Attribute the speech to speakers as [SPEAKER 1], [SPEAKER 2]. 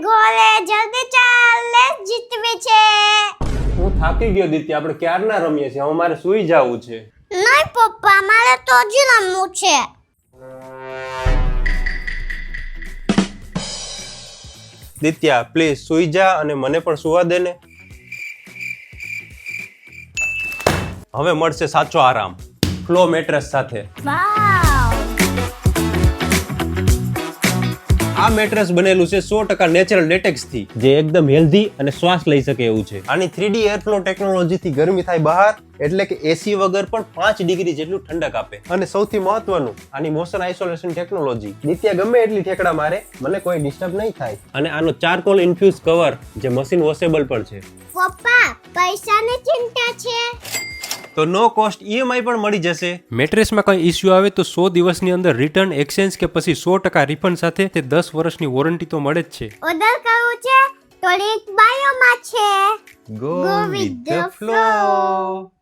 [SPEAKER 1] ઘરે જલ્દી ચાલ લેસ જીતવી છે.
[SPEAKER 2] હું થાકી ગયો દીતી, આપણે ક્યારના રમીએ છીએ, હવે મારે સૂઈ જવું છે.
[SPEAKER 1] નહીં પપ્પા, મારે તો હજી રમવું છે.
[SPEAKER 2] દિત્યા પ્લીઝ સૂઈ જા અને મને પણ સુવા દે ને. હવે મળશે સાચો આરામ ફ્લો મેટ્રેસ સાથે.
[SPEAKER 1] વાવ,
[SPEAKER 2] આ મેટ્રેસ બનેલું છે 100% નેચરલ લેટેક્સ થી, જે એકદમ હેલ્ધી અને શ્વાસ લઈ શકે એવું છે. આની 3D એરફ્લો ટેકનોલોજી થી ગરમી થાય બહાર, એટલે કે એસી વગર પણ 5 ડિગ્રી જેટલું ઠંડક આપે. અને સૌથી મહત્વનું, આની મોશન આઇસોલેશન ટેકનોલોજી. નિત્યા ગમે એટલી ઠેકડા મારે, મને કોઈ ડિસ્ટર્બ નહીં થાય. અને આનો ચારકોલ ઇન્ફ્યુઝ કવર, જે મશીન વોશેબલ પણ છે.
[SPEAKER 1] પપ્પા પૈસાની ચિંતા છે
[SPEAKER 2] તો નો કોસ્ટ EMI પણ મળી જશે.
[SPEAKER 3] મેટ્રેસમાં કંઈ ઇસ્યુ આવે તો 100 દિવસની અંદર રિટર્ન, એક્સચેન્જ કે પછી 100% રિફંડ સાથે તે 10 વર્ષની વોરંટી તો મળે જ છે.
[SPEAKER 1] ઓર્ડર કરવું છે તો લિંક બાયોમાં છે.
[SPEAKER 2] Go with the flow.